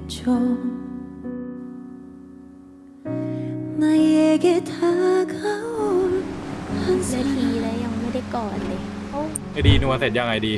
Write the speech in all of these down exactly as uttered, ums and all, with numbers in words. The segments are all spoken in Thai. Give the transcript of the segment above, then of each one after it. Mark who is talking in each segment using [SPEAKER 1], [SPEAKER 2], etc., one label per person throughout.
[SPEAKER 1] 줘 나에게 다가올 한
[SPEAKER 2] นาที
[SPEAKER 1] 사람
[SPEAKER 2] แล้วยังไม่ได้กอดเลยโอ้
[SPEAKER 3] ไอดีนัวเสร็จยังไงดี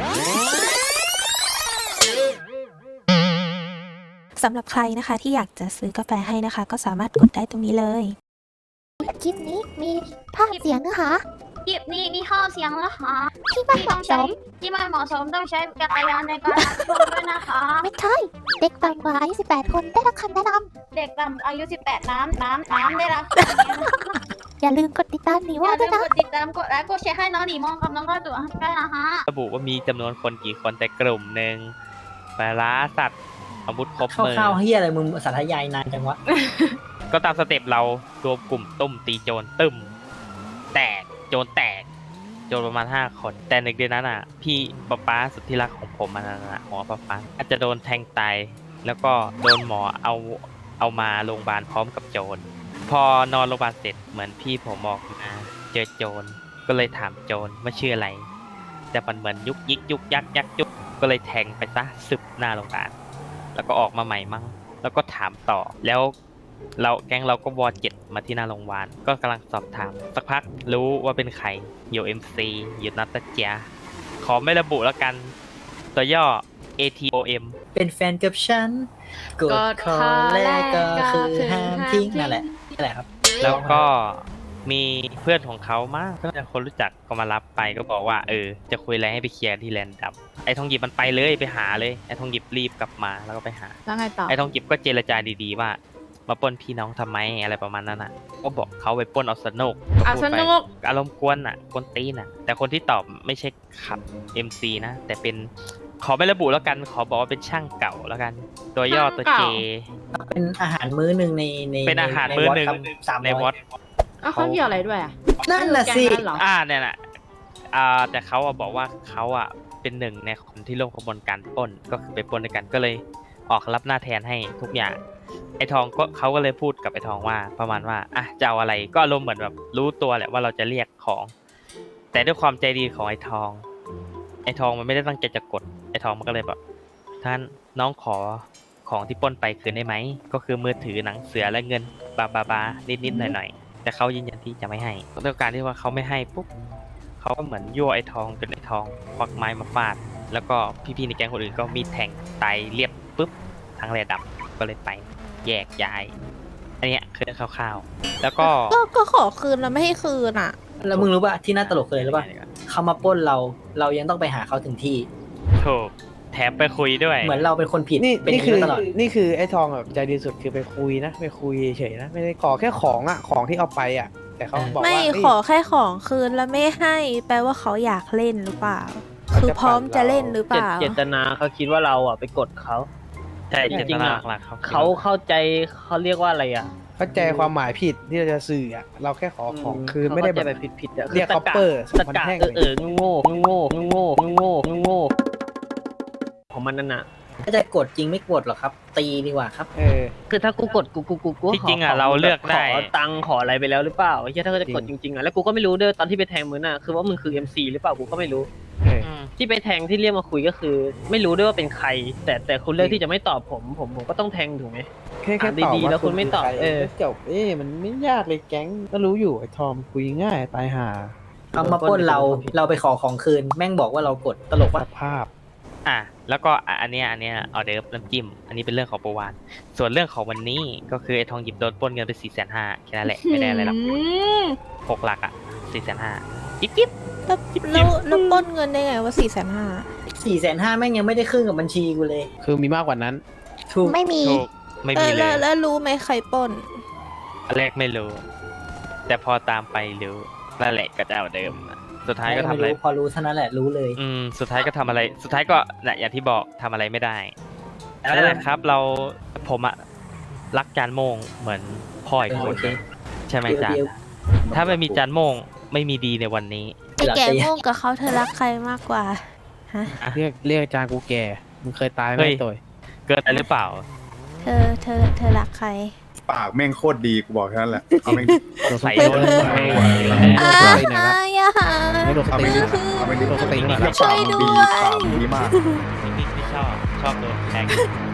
[SPEAKER 4] สำหรับใครนะคะที่อยากจะซื้อกาแฟให้นะคะ ก็สามารถกดได้ตรงนี้เลย
[SPEAKER 2] คลิปนี้มีภาพเสียงนะคะ
[SPEAKER 5] คลิปนี้มีข้อเสียงนะคะ
[SPEAKER 2] ที่ไม่
[SPEAKER 5] ที่
[SPEAKER 2] เห
[SPEAKER 5] ต้อ
[SPEAKER 2] มาะ
[SPEAKER 5] ง
[SPEAKER 2] ส
[SPEAKER 5] ใช้
[SPEAKER 2] ม
[SPEAKER 5] ที่ไม่เหมาะสมต้องใช้จักรยานในการรับชมด้วยนะคะ
[SPEAKER 2] ไม่ใช่เด็กต่ำกว่าอายุสิบแปดคนได้รับคำแนะน
[SPEAKER 5] เด็กต่ำอายุ สิบแปด น้ำน้ำน้ำได้รับ
[SPEAKER 2] ำอย่าลืมกดติดตามหนี
[SPEAKER 5] อ
[SPEAKER 2] ว่า
[SPEAKER 5] ย่า
[SPEAKER 2] ด้
[SPEAKER 5] ลื
[SPEAKER 2] วย
[SPEAKER 5] ม
[SPEAKER 2] นะ
[SPEAKER 5] กดติดตามกดไลค์กดแชร์ให้น้องหนีมองกับน้องก็ตัวด้วยนะคะ
[SPEAKER 6] ระบุว่ามีจำนวนคนกี่คนแต่กลุ่มหนึ่งปลาร้าสัตว์อาวุธครบมือ
[SPEAKER 7] ข้าวๆเฮียอะไรมึงสาธยายนานจังวะ
[SPEAKER 6] ก็ตามสเต็ปเรารวมกลุ่มตุ้มตีโจรตึมแตกโจรแตกโจรประมาณห้าคน แต่ในเดือนนั้นอ่ะ พี่ป๊าป๊าสุดที่รักของผมมันน่ะหมอป๊าป๊าอาจจะโดนแทงตายแล้วก็โดนหมอเอาเอามาโรงพยาบาลพร้อมกับโจรพอนอนโรงพยาบาลเสร็จเหมือนพี่ผมออกมาเจอโจรก็เลยถามโจรว่าชื่ออะไร แต่มันเหมือนยุกยิกยุกยักยักยุกก็เลยแทงไปซะสึบหน้าโรงพยาบาลแล้วก็ออกมาใหม่มั้งแล้วก็ถามต่อแล้วเราแก๊งเราก็วอเจ็ดมาที่หน้าโรงพยาบาลก็กำลังสอบถามสักพักรู้ว่าเป็นใครอยู่ เอ็ม ซี อยู่นัตเจียขอไม่ระบุแล้วกันตัวย่อ เอ ที โอ เอ็ม
[SPEAKER 7] เป็นแฟนกับฉันกดคอแรกก็คือห้ามทิ้งนั่นแหละนั่นแหละครับ
[SPEAKER 6] แล้วก็มีเพื่อนของเขามากก็จะคนรู้จักก็มารับไปก็บอกว่าเออจะคุยอะไรให้ไปเคลียร์ที่แลนด์ดับไอ้ทองหยิบมันไปเลยไปหาเลยไอ้ทองหยิบรีบกลับมาแล้วก็ไปหา
[SPEAKER 8] แล้วไงต่อ
[SPEAKER 6] ไอ้ทองหยิบก็เจรจาดีๆว่ามาปล้นพี่น้องทำไมอะไรประมาณนั้นอ่ะก็บอกเขาไปปล้นเอาสนุก
[SPEAKER 8] เอาสนุก
[SPEAKER 6] อารมณ์กวนอ่ะกวนตีนอ่ะแต่คนที่ตอบไม่ใช่ขับ เอ็ม ซี นะแต่เป็นขอไม่ระบุแล้วกันขอบอกว่าเป็นช่างเก่าแล้วกัน ตัวย่อตัวเจ
[SPEAKER 7] เป็นอาหารมื้อหนึ่งในใน
[SPEAKER 6] เป็นอาหารมื้อหนึ่ง
[SPEAKER 7] สาม
[SPEAKER 6] ใน
[SPEAKER 7] ร้
[SPEAKER 6] ว
[SPEAKER 7] อ
[SPEAKER 6] อย ต
[SPEAKER 8] อ้าวเขาเกี่ยวอะไรด้วยอ่ะ
[SPEAKER 7] นั่นน่ะสิ
[SPEAKER 8] แก๊งนั้นเหรอ
[SPEAKER 6] อ่าเนี่ยแหละอ่าแต่เขาอะบอกว่าเขาอะเป็นหนึ่งในคนที่ร่วมขบวนการปล้นก็คือไปปล้นด้วยกันก็เลยออกรับหน้าแทนให้ทุกอย่างไอ้ทองก็เขาก็เลยพูดกับไอ้ทองว่าประมาณว่าอ่ะจะเอาอะไรก็อารมณ์เหมือนแบบรู้ตัวแหละว่าเราจะเรียกของ แต่ด้วยความใจดีของไอ้ทอง ไอ้ทองมันไม่ได้ตั้งใจจะกดไอ้ทองมันก็เลยแบบท่านน้องขอของที่ปล้นไปคืนได้ไหมก็คือมือถือหนังเสือและเงินบาบาบานิดนิดหน่อยหน่อยๆแต่เขายืนยันที่จะไม่ให้ด้วยการที่ว่าเขาไม่ให้ปุ๊บเขาก็เหมือนยั่วไอ้ทองจนไอ้ทองควักไม้มาฟาดแล้วก็พี่ๆในแก๊งคนอื่นก็มีดแทงตายเรียบปุ๊บทั้งแลดับก็เลยไปแยกย้ายอันเนี้ยคือเรื่องคร่าวๆแล้วก็
[SPEAKER 4] ก็ก็ขอคืนแล้วไม่ให้คืนอ่ะ
[SPEAKER 7] แล้วมึงรู้ป่ะที่น่าตลกเลยรู้ป่ะเขามาปล้นเราเรายังต้องไปหาเขาถึงที่
[SPEAKER 6] ถูกแถมไปคุยด้วย
[SPEAKER 7] เหมือนเราเป็นคนผิด
[SPEAKER 9] นี่
[SPEAKER 7] เป็นอ
[SPEAKER 9] นี่
[SPEAKER 7] ย่าง
[SPEAKER 9] คือ
[SPEAKER 7] นี้มาตลอด
[SPEAKER 9] นี่คือไอ้ทองแบบใจดีสุดคือไปคุยนะไปคุยเฉยๆนะไม่ได้ขอแค่ของอ่ะของที่เอาไปอ่ะ แต่เขาบอก
[SPEAKER 4] ไม่
[SPEAKER 9] ว่าเฮ้ย
[SPEAKER 4] ขอแค่ของคืนแล้วไม่ให้ แปลว่าเขาอยากเล่นหรือเปล่า คือพร้อมจะเล่นหรือเปล่า
[SPEAKER 10] เจตนาเขาคิดว่าเราอ่ะไปกดเขา
[SPEAKER 6] ใช่
[SPEAKER 10] จ
[SPEAKER 6] เจ
[SPEAKER 10] ริ
[SPEAKER 6] ต
[SPEAKER 10] งๆ
[SPEAKER 6] นา
[SPEAKER 10] อะ
[SPEAKER 6] หลักๆเขา
[SPEAKER 10] เขาเข้าใจเขาเรียกว่าอะไรอ่ะ
[SPEAKER 9] เข้าใจความหมายผิดที่เราจะสื่ออ่ะเราแค่ขอของคืนไม่ได้
[SPEAKER 10] เขา
[SPEAKER 9] แบ
[SPEAKER 10] เข้าใจ
[SPEAKER 9] บ
[SPEAKER 10] แบบผิดๆอ่ะ
[SPEAKER 9] เรียก
[SPEAKER 10] ตะ
[SPEAKER 9] copper
[SPEAKER 10] ตะ
[SPEAKER 9] มัน
[SPEAKER 10] กะ
[SPEAKER 9] แท่ง
[SPEAKER 10] เออเออโง่โง่โง่โง่โง่โง่ของมันนั่นน่ะ
[SPEAKER 7] ถ้าจะกดจริงไม่กดหรอกครับ ตีดีกว่าครับ
[SPEAKER 9] เออ
[SPEAKER 10] คือถ้ากูกดกูกูกูกู
[SPEAKER 6] ที่จริง
[SPEAKER 10] ข
[SPEAKER 6] อ่ะเราเลือกได้
[SPEAKER 10] ขอตังค์ขออะไรไปแล้วหรือเปล่าไอ้เหี้ยถ้าเขาจะกดจริงๆอ่ะแล้วกูก็ไม่รู้ด้วยตอนที่ไปแทงมึงน่ะคือว่ามึงคือ เอ็ม ซี หรือเปล่ากูก็ไม่รู้
[SPEAKER 9] เออ
[SPEAKER 6] อืม
[SPEAKER 10] ที่ไปแทงที่เรียกมาคุยก็คือ ไม่รู้ด้วยว่าเป็นใคร แต่แต่คุณเลือกที่จะไม่ตอบผมผมผมก็ต้องแทงถูกไหม
[SPEAKER 9] แค่แค่
[SPEAKER 10] อ่ะ
[SPEAKER 9] ตอบ
[SPEAKER 10] ดีๆ
[SPEAKER 9] ว่า
[SPEAKER 10] แล้วคุณไม่ตอบ
[SPEAKER 9] ใร
[SPEAKER 10] เออ
[SPEAKER 9] ก็จบเอ้มันไม่ยากเลยแก๊งก็รู้อยู่ไอ้ทอมคุยง่ายตายห่า
[SPEAKER 7] เขามาปล้นเราเราไปขอของคืน แม่งบอกว่าเรากดตลก
[SPEAKER 9] ส
[SPEAKER 7] ว่า
[SPEAKER 9] ภาพ
[SPEAKER 6] อ่ะแล้วก็อ่ะอันเนี้ยอันเนี้ยออเดิร์ฟน้ำจิ้มอันนี้เป็นเรื่องของประวานส่วนเรื่องของวันนี้ก็คือไอ้ทองหยิบโดนปล้นเงินไปสี่แสนห้าแค่นั้นแหละไม่ได้อะไรหรอกหกหลักอ่ะสี่แสนห้าจิ๊บจิ๊บ
[SPEAKER 4] แล้วแล้วแล้วปล้นเงินได้ไงว่าสี่แสนห้า
[SPEAKER 7] สี่แสนห้าแม่งยังไม่ได้ครึ่งกับบัญชีกูเลย
[SPEAKER 9] คือมีมากกว่านั้น
[SPEAKER 7] ถูก
[SPEAKER 2] ไม่มี
[SPEAKER 6] ถูกไม่มีเล
[SPEAKER 4] แล้ว
[SPEAKER 6] ย
[SPEAKER 4] แล้วรู้ไหมใครปล้น
[SPEAKER 6] อันแรกไม่รู้ แต่พอตามไปรู้นั่นแหละก็จะเอาเดิมอะสุดท้ายก็ทำอะไร
[SPEAKER 7] พอรู้เท่านั้นแหละรู้เลย
[SPEAKER 6] อืมสุดท้ายก็ทำอะไร สุดท้ายก็น่ะอย่างที่บอกทำอะไรไม่ได้นั่นแหละครับเราผมอะรักจานโมงเหมือนพ่ออีกคน
[SPEAKER 7] โอเค
[SPEAKER 6] ใช่ไหมจาน
[SPEAKER 7] เดี๋ยว
[SPEAKER 6] ถ้าไม่มีจานโมงไม่มีดีในวันนี้
[SPEAKER 4] ไอ้แก่โง่กับเขาเธอรักใครมากกว่า ฮะ
[SPEAKER 9] เรียกเรียกอาจารย์กูแก่มึงเคยตายไหม
[SPEAKER 6] เฮ้ย
[SPEAKER 9] ตัว
[SPEAKER 6] เกินไปหรือเปล่า
[SPEAKER 4] เธอเธอเธอรักใคร
[SPEAKER 3] ปากแม่งโคตรดีกูบอกแค่นั้นแหละเอาแม่ง
[SPEAKER 6] ใส่
[SPEAKER 9] โด
[SPEAKER 6] โด
[SPEAKER 9] น
[SPEAKER 6] น
[SPEAKER 9] ส
[SPEAKER 6] ไม่
[SPEAKER 9] ติ
[SPEAKER 6] ไหว
[SPEAKER 4] อ่า
[SPEAKER 9] ไหนละ
[SPEAKER 4] อย่าหา
[SPEAKER 9] ไม่โดนส
[SPEAKER 3] เอา
[SPEAKER 9] ติ
[SPEAKER 3] แม่ง
[SPEAKER 9] ไหน
[SPEAKER 3] ดีเอาแม่งดี
[SPEAKER 9] โดนสติไหน
[SPEAKER 3] ปากมึงดีปากมึงดีมาก
[SPEAKER 6] ไม่ชอบชอบโดนแทง
[SPEAKER 9] ไม่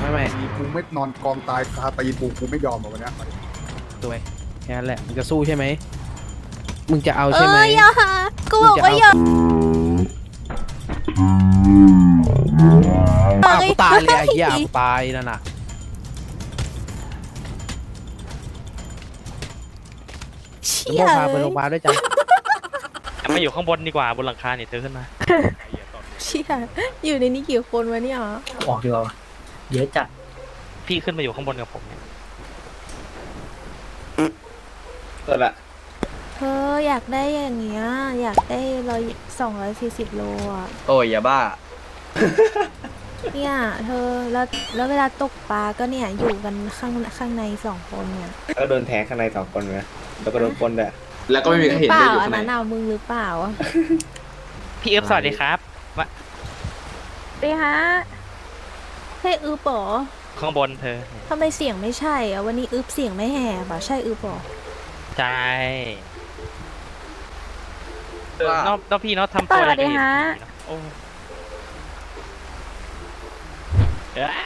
[SPEAKER 9] ไม่ไม่
[SPEAKER 3] กูไม่นอนกองตายคาตีนกูกูไม่ยอมหรอกวันเนี้ย
[SPEAKER 9] ตัวแค่นั้นแหละมึงจะสู้ใช่ไหมมึงจะเอา
[SPEAKER 4] เอ
[SPEAKER 9] ใช่ไหม
[SPEAKER 4] ออย่ากูบอกว่าอย่า
[SPEAKER 9] อ้าวกูตายเลยไอ้เหี้ยกูตายนั่นน่ะ
[SPEAKER 4] เชี่
[SPEAKER 9] มึง
[SPEAKER 4] ย
[SPEAKER 9] พาไปโรงพยาบาลด้วยจ้ะ
[SPEAKER 6] จะมาอยู่ข้างบนดีกว่าบนหลังคาเนี่ยเธอขึ้นมา
[SPEAKER 4] เชี่ยอยู่ในนี้กี่คนวะเนี่ย
[SPEAKER 7] ออกดีกว่าเยอะจัด
[SPEAKER 6] พี่ขึ้นมาอยู่ข้างบนกับผมเนี่ย
[SPEAKER 9] เออละ
[SPEAKER 4] เธออยากได้อย่างเงี้ยอยากได้ร้อยสองร้อยสี่สิบโลอ่ะ
[SPEAKER 9] โอ้ยอย่าบ้า
[SPEAKER 4] เนี่ยเธอแล้วแล้วเวลาตกปลาก็เนี่ยอยู่กันข้างข้างในสองคนเนี่ย
[SPEAKER 9] แล้วโดนแทงข้างในสองคนไหมแล้วก็โดนปนด้วย
[SPEAKER 3] แล้วก็ไม่มีใครเห็น
[SPEAKER 4] เป
[SPEAKER 3] ด้วย
[SPEAKER 4] ล่า
[SPEAKER 3] อยู่
[SPEAKER 4] อั
[SPEAKER 3] ข้าน งใน
[SPEAKER 4] นั้นเอามึงหรือเปล่า
[SPEAKER 6] พี่เอิบสวัสดีครับมา
[SPEAKER 4] ดีฮะใช่อึบปอ
[SPEAKER 6] ข้างบนเธอ
[SPEAKER 4] ทำไมเสียงไม่ใช่อะวันนี้อึบเสียงไม่แหบอะใช่อึบปอ
[SPEAKER 6] ใช่เออนอกนอกพี่เนาะทำตัวอะไรกันอยู่โอ้เอ๊ะ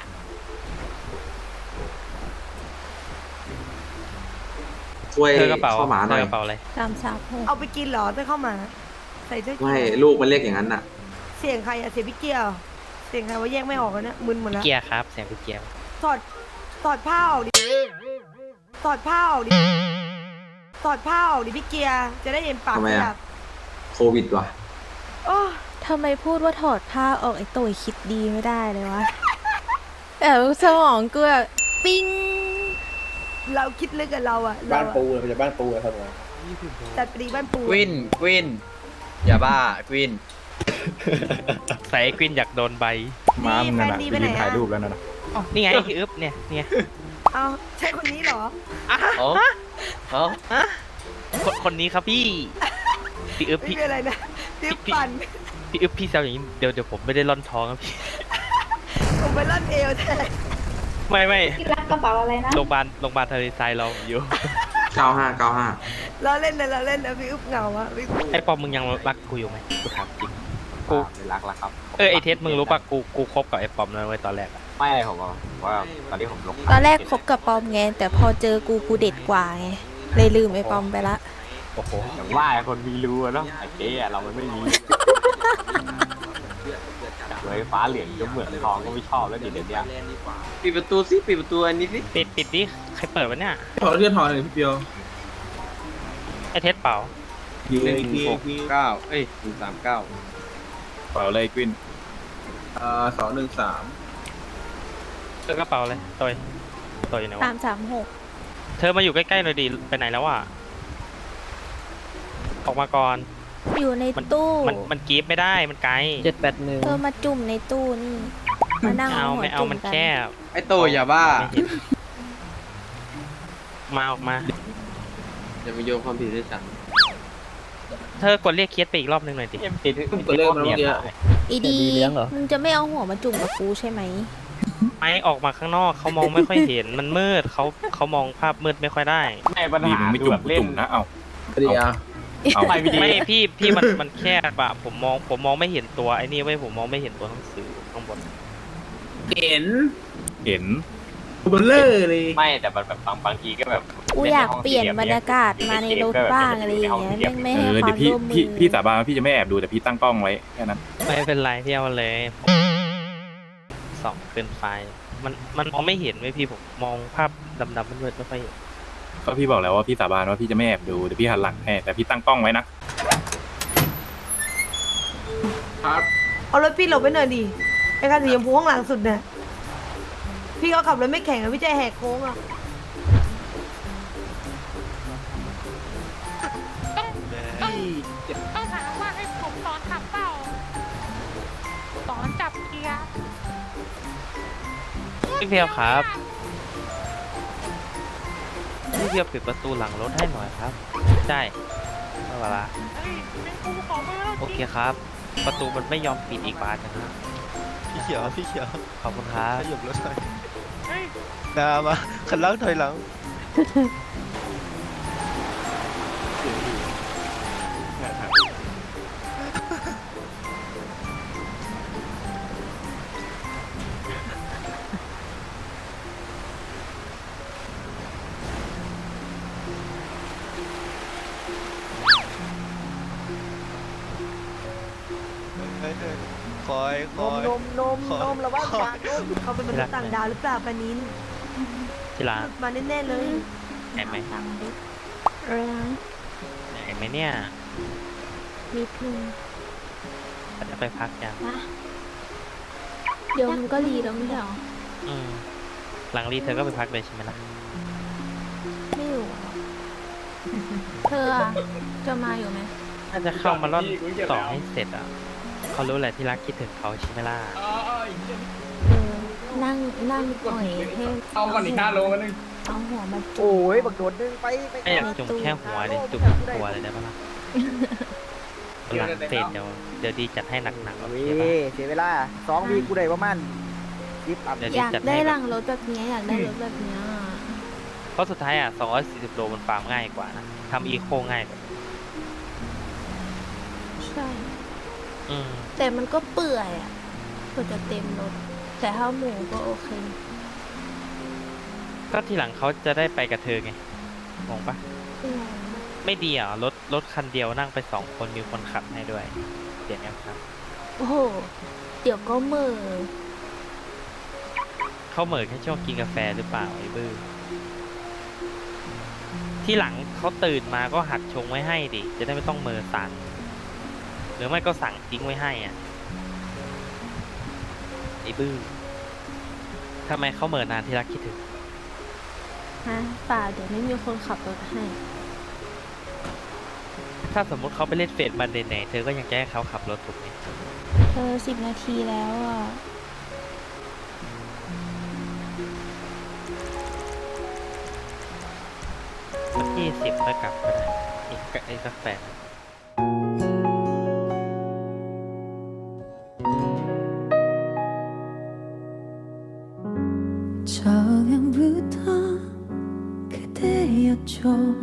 [SPEAKER 11] ช่วย
[SPEAKER 6] เธอกระเป๋า
[SPEAKER 11] เข้าหมาหน่อย
[SPEAKER 6] เธอกระเป๋าอะไร
[SPEAKER 4] ตามสามหก
[SPEAKER 5] เอาไปกินเหรอถ้าเข้ามาใส่เสื้อ
[SPEAKER 11] ไม่ลูกมันเรียกอย่างนั้นน่ะ
[SPEAKER 5] เสียงใครอะเสียงพี่เกียวเสียงใครว่าแยกไม่ออกแล้วเนี่ยมึนหมดแล้ว
[SPEAKER 6] เกียร์ครับเสียงพี่เกียร์
[SPEAKER 5] ถอดถอดผ้าออกดิถอดผ้าออกดิถอดผ้าออกดิพี่เกียร์จะได้เห็นปาก
[SPEAKER 11] ทำไม
[SPEAKER 5] ข
[SPEAKER 11] อะ
[SPEAKER 5] ยับ
[SPEAKER 11] โควิดว่ะ
[SPEAKER 5] โอ้
[SPEAKER 4] ทำไมพูดว่าถอดผ้าออกไอ้ตัวคิดดีไม่ได้เลยวะแต่สมองกูแบบปิ้ง
[SPEAKER 5] เราคิดลึกกับเราอะ
[SPEAKER 9] บ้าน
[SPEAKER 5] เราอะ
[SPEAKER 9] ปูเลยจะบ้านปูเลยครับผม
[SPEAKER 5] จัดปรีบ้านปู
[SPEAKER 9] กวินกวินอย่าบ้ากวิน
[SPEAKER 6] ใส่กวินอยากโดนใบ
[SPEAKER 3] ม้ามึงนั่น
[SPEAKER 5] แฟ
[SPEAKER 3] น่ะ
[SPEAKER 5] ดี
[SPEAKER 3] ไป
[SPEAKER 5] ไปไหน
[SPEAKER 3] ยืนถ่าย
[SPEAKER 5] อะ
[SPEAKER 3] รูปแล้วนั่นน่ะ
[SPEAKER 6] อ๋อนี่ไงพี่อึบเนี่ยเนี่ย
[SPEAKER 5] เอาใช่คนนี้เหรอ
[SPEAKER 9] อ๋ออ๋อ
[SPEAKER 6] คนคนนี้ครับพี่พี่อึบ
[SPEAKER 5] ไม่
[SPEAKER 6] พี่
[SPEAKER 5] เป็นอะไรนะเดี๋ยวปั่น
[SPEAKER 6] พี่อึบพี่แซวอย่างนี้เดี๋ยวเดี๋ยวผมไม่ได้ร่อนท้องครับพี่
[SPEAKER 5] ผมไปล่อนเอวแทน
[SPEAKER 6] ไม่ไม่
[SPEAKER 5] รักกระเป๋าอะไรนะ
[SPEAKER 6] โรงพยาบาลโรงพยาบาลทะเลทรายเราอยู่
[SPEAKER 11] เก้าห้าเก้าห้า
[SPEAKER 5] เราเล่นนะเราเล่นนะพี่อุ๊บเหงาอะพี่อุ๊บ
[SPEAKER 6] ไอ้ปอมมึงยังรักกูอยู่ไหมกูถามจริงกู
[SPEAKER 11] ไม่รักแล้วครับ
[SPEAKER 6] เออไอเทสมึงรู้ปะกูกูคบกับไอ้ปอมนั่นไว้ตอนแรกอะ
[SPEAKER 11] ไม่อะไรผมว่าตอนนี้ผมลง
[SPEAKER 4] ตอนแรกคบกับปอมไงแต่พอเจอกูกูเด็ดกว่าไงเลยลืมไอ้ปอมไปละ
[SPEAKER 6] โอ้โห
[SPEAKER 11] อย่างว่าคนมีรู้อะเนาะไอ้เจ๊อะเรามันไม่มีเลยฟ้าเหลืองก็เหมือนทองก็ไม่ชอบแล้วเดี๋ยวเนี้ยปิดประตูสิปิดประตูอันนี้สิ
[SPEAKER 6] ปิดปิดดิใครเปิดวะเนี่ย
[SPEAKER 3] ขอเลื่อนทอนหน่อยพี่เปียว
[SPEAKER 6] ไอเทสเปล่า
[SPEAKER 3] หนึ่งหกเก้า
[SPEAKER 9] เอ้ยหนึ่งสามเก้า
[SPEAKER 3] เปล่าเลยกวินอ่าสองหนึ่งสาม
[SPEAKER 6] เธอกระเป๋าเลยตอยตอยอยู่ไหน
[SPEAKER 4] สาว
[SPEAKER 6] ะ
[SPEAKER 4] มสามหก
[SPEAKER 6] เธอมาอยู่ใกล้ๆหน่อยดิไปไหนแล้ววะออกมาก่อน
[SPEAKER 4] อยู่ใน
[SPEAKER 6] มัน
[SPEAKER 4] ตู้
[SPEAKER 6] มันมันกรีฟไม่ได้มันไกล
[SPEAKER 9] เจ็ดแปดหนึ่ง
[SPEAKER 4] เธอมาจุ่มในตู้นี่มานั่ง
[SPEAKER 6] เอา
[SPEAKER 4] หัว
[SPEAKER 6] ไม่เอา
[SPEAKER 4] จุ่ม
[SPEAKER 6] มัน
[SPEAKER 4] กัน
[SPEAKER 6] แคบ
[SPEAKER 9] ไอ้ตัวอย่าบ้า
[SPEAKER 6] ไม่เห็นมาออกมา
[SPEAKER 9] จะมาโยนความผิดให้ฉัน
[SPEAKER 6] เธอกดเรียกเคสไปอีกรอบนึงหน่อยดิ
[SPEAKER 11] ปิด
[SPEAKER 9] เปิดเรื่องมาเมื่อกี้
[SPEAKER 4] อีดี
[SPEAKER 9] มีเลี้ยงเหรอ
[SPEAKER 4] มึงจะไม่เอาหัวมาจุ่มกับกูใช่ไหม
[SPEAKER 6] ไม่ออกมาข้างนอกเขามองไม่ค่อยเห็นมันมืดเขาเขามองภาพมืดไม่ค่อยได้
[SPEAKER 11] ไม่ปัญ
[SPEAKER 3] ดี
[SPEAKER 11] หา
[SPEAKER 3] มึงไม่จุ่มกูจุ่มนะเอ้า
[SPEAKER 9] เดียว
[SPEAKER 3] เอา
[SPEAKER 11] ไม่วิดี
[SPEAKER 6] ไม่พี่พี่มันมันแคบอะผมมองผมมองไม่เห็นตัวไอ้นี่ไว้ยผมมองไม่เห็นตัวหนังสือข้างบน
[SPEAKER 9] เห็น
[SPEAKER 3] เห็น
[SPEAKER 9] เบลเลอร์เลย
[SPEAKER 11] ไม่แต่แบบบางบางทีก็แบบ
[SPEAKER 4] กูอยากเปลี่ยนบรรยากาศมาในรถบ้างอะไรอย่างเงี้ยแม่งไม่
[SPEAKER 3] เอ
[SPEAKER 4] ให้
[SPEAKER 3] อ
[SPEAKER 4] ควา
[SPEAKER 3] เดี๋ย
[SPEAKER 4] ม
[SPEAKER 3] วพี่
[SPEAKER 4] ร่วมมื
[SPEAKER 3] พี่
[SPEAKER 4] อ
[SPEAKER 3] พี่สาบานว่าพี่จะไม่แอบดูแต่พี่ตั้งกล้องไว้แค่นั้น
[SPEAKER 6] ไม่เป็นไรพี่เอามาเลยสองเกินไฟมันมันมองไม่เห็นไว้ยพี่ผมมองภาพดำๆมืดๆไม่ค่อยเห็น
[SPEAKER 3] ก็พี่บอกแล้วว่าพี่สาบานว่าพี่จะไม่แอบดูเดี๋ยวพี่หันหลังให้แต่พี่ตั้งกล้องไว้นะ
[SPEAKER 5] เอารถพี่หลบไปหน่อยดิไอ้คันสีชมพูข้างหลังสุดเนี่ยพี่เขาขับรถไม่แข่งอะพี่ใจแหกโค้งอะ
[SPEAKER 1] ต้องถามว่าให้ผมสอนขับเปล่าสอนจับเกียร์
[SPEAKER 6] พี่เพียวครับพี่เพียวปิดประตูหลังรถให้หน่อยครับใช่เอาเวลา
[SPEAKER 1] เฮ้ยเป็นกูขอมือแล้ว
[SPEAKER 6] โอเคครับ ประตูมันไม่ยอมปิดอีกบานนะ
[SPEAKER 9] พี่เขียวพี่เขียว
[SPEAKER 6] ขอบคุณครับ
[SPEAKER 9] ขยับรถหน่อย
[SPEAKER 1] เฮ้ย
[SPEAKER 9] นามาขันล้างถอยหลัง
[SPEAKER 12] คอยคน อย
[SPEAKER 5] มนมนมนมระวังปากนมเขาเป็นมนุษย์ต่างดาวหรือเปล่าปานิน
[SPEAKER 6] ที่ร้าน
[SPEAKER 5] มาแน่ๆเลย
[SPEAKER 6] เห็นไหม
[SPEAKER 4] อะไรนะ
[SPEAKER 6] เห็นไหมเนี่ย
[SPEAKER 4] นิดนึง
[SPEAKER 6] จะไปพักยัง
[SPEAKER 4] เดี๋ยวมันก็รีแล้วไม่ใช่หรอ
[SPEAKER 6] อืมหลังรีเธอก็ไปพักเลยใช่ไหมล่ะ
[SPEAKER 4] ไม่อยู่อะเธออะจะมาอยู่ไหม
[SPEAKER 6] น่าจะเข้ามาล่อนต่อให้เสร็จอ่ะเขารู้แหละที่รักคิดถึงเขาใช่ไหมล่ะ
[SPEAKER 4] เออ นั่งนั่งอ่อยให้เอาก่อนอีกห้าโลนึงเอาหัวมาจุ่
[SPEAKER 9] โอ้
[SPEAKER 4] ม
[SPEAKER 9] ยบักโดดดึงไปไป
[SPEAKER 6] ไม่อยากจุ่มแค่หัวเลยจุ่มตัวเลยได้ปะล่ะหลังเสร็จเดี๋ยวเดี๋ยวดีจัดให้หนักๆโอเค
[SPEAKER 9] เว้
[SPEAKER 6] ปะ
[SPEAKER 9] ยเสียเวลาสองวีกูได้ประมาณสิบอัพ
[SPEAKER 6] เดี๋ยว
[SPEAKER 4] อ
[SPEAKER 6] ดี
[SPEAKER 4] ยาก
[SPEAKER 6] จัด
[SPEAKER 4] ได้
[SPEAKER 6] ให้
[SPEAKER 4] ห
[SPEAKER 6] แบ
[SPEAKER 4] ลั
[SPEAKER 6] บ
[SPEAKER 4] งรถแบบเนี้ยอยากได้รถแบบเนี้ย
[SPEAKER 6] เพราะสุดท้ายอ่ะสองร้อยสี่สิบโลมันฟาร์มง่ายกว่านะทำอีโคง่ายกว่า
[SPEAKER 4] ใช่
[SPEAKER 6] อืม
[SPEAKER 4] แต่มันก็เปื่อยอ่ะเพื่อจะเต็มรถ แต่ถ้าหมูก็โอเค
[SPEAKER 6] ก็ทีหลังเขาจะได้ไปกับเธอไงงงปะ
[SPEAKER 4] อืม
[SPEAKER 6] ไม่ดีอ่ะรถรถคันเดียวนั่งไปสองคนมีคนขับให้ด้วยเดี๋ยวนี้ครับ
[SPEAKER 4] โอ้โห เดี๋ยวก็เหมือ
[SPEAKER 6] เขาเหมือนแค่ช่วงกินกาแฟหรือเปล่าไอ้บื้อที่หลังเขาตื่นมาก็หัดชงไว้ให้ดิจะได้ไม่ต้องเมือสั่นหรือไม่ก็สั่งทิ้งไว้ให้อ่ะไอ้บื้อทำไมเขาเหมือนนานที่รักคิดถึง
[SPEAKER 4] ฮะป่าเดี๋ยวไม่มีคนขับรถให้
[SPEAKER 6] ถ้าสมมุติเขาไปเล่นเฟซมาเหนื่อยๆเธอก็ยังจะให้เขาขับรถถูกไหม
[SPEAKER 4] เธอสิบนาทีแล้วอ่ะ
[SPEAKER 6] สักยี่สิบค่อยกลับก็ได้อีกอีกสักแปด
[SPEAKER 2] 처음부터 그대였죠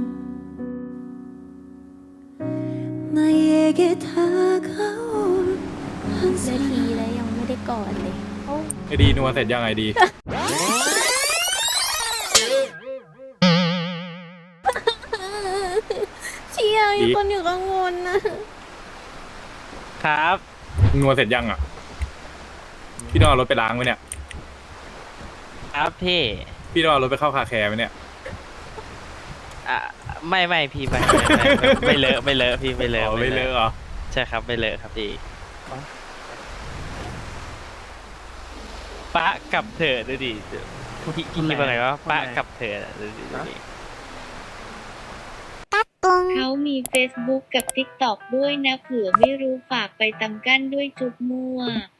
[SPEAKER 2] 나에게 다가올
[SPEAKER 4] นาทีแล้วยังไม่ได้กอดเลย
[SPEAKER 3] ไอดีนัวเสร็จยังไงดี
[SPEAKER 4] เชียร์มีคนอยู่กังวลนะ
[SPEAKER 6] ครับ
[SPEAKER 3] นัวเสร็จยังอ่ะ พี่ต้องเอารถไปล้างไหมเนี่ย
[SPEAKER 6] ครับพี่
[SPEAKER 3] พี่ต้องเอารถไปเข้าคาแคร์ไหมเนี่ย
[SPEAKER 6] อ่ะไม่ไม่พี่ไม่ไม่ไม่ไม่เลอะไม่เลอะพี่ไม่เลอะ
[SPEAKER 3] อ๋อไม่เลอะเหรอ
[SPEAKER 6] ใช่ครับไม่เลอะครับพี่ปะกับเธอดูดิพี่พี่คิดว่าไงว่าปะกับเธอดูดิดูดิ
[SPEAKER 13] เขามี Facebook กับ ติ๊กต็อก ด้วยนะเผื่อไม่รู้ฝากไปตำกั้นด้วยจุ๊บมั่ว